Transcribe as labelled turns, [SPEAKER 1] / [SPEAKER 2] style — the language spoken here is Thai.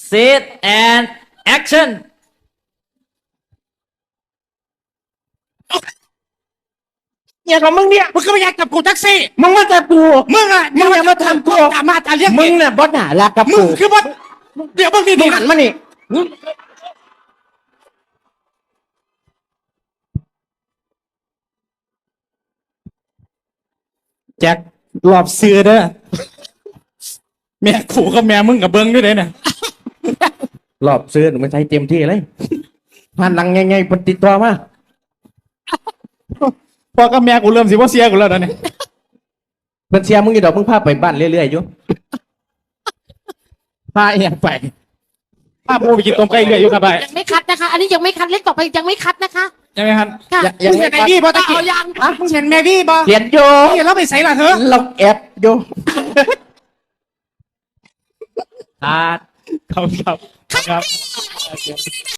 [SPEAKER 1] Set and action
[SPEAKER 2] เนี่ยของมึงเนี่ย
[SPEAKER 3] มึงก็ไม่อยากจับกูแท็กซี่
[SPEAKER 2] มึงมาจับกู
[SPEAKER 3] มึงอะ
[SPEAKER 2] มึงอย่ามาทำกู
[SPEAKER 3] ตามมาตาเรียก
[SPEAKER 2] มึงเนี่ยบอสหนารักกับ
[SPEAKER 3] มึ
[SPEAKER 2] กู
[SPEAKER 3] งคือว่าเดี๋ยวมึงนี่
[SPEAKER 2] มึ
[SPEAKER 3] ดี
[SPEAKER 2] งหันมานี่
[SPEAKER 3] แจ็ครอบซื้อเด้อแม่ขู่กับแม่มึงกับเบิ้งด้วยเด้อน่ะ
[SPEAKER 2] รอบซื้อหนูไม่ใช้เต็มที่เลยผ่านหลังไงๆปฏิดตัวมา
[SPEAKER 3] พอกับแม่กูเริ่มสิว่าเสียกูแล้วตอนนี้
[SPEAKER 2] เป็นเสียมึงอีดอกมึงพาไปบ้านเรื่อยๆอยู่
[SPEAKER 3] พาเอียงไปพาปูไปกินต้มไก่เรื่อยอยู่ครับไป
[SPEAKER 4] ยังไม่คัดนะคะ อันนี้ยังไม่คัดเล่นต่อไปยังไม่คัดนะคะ
[SPEAKER 3] ยังไงครับ
[SPEAKER 4] ค่ะ
[SPEAKER 2] ยัง
[SPEAKER 3] มึงเห็นแม่กี้ป่ะตะกี้
[SPEAKER 4] เอายัง
[SPEAKER 3] มึงเห็นแม่กี้ป่ะ
[SPEAKER 2] เปลี่ยนโย
[SPEAKER 3] เห็นแล้วไปใส่ละเถอะ
[SPEAKER 2] เราแอบโย
[SPEAKER 1] ขาด
[SPEAKER 3] ครับ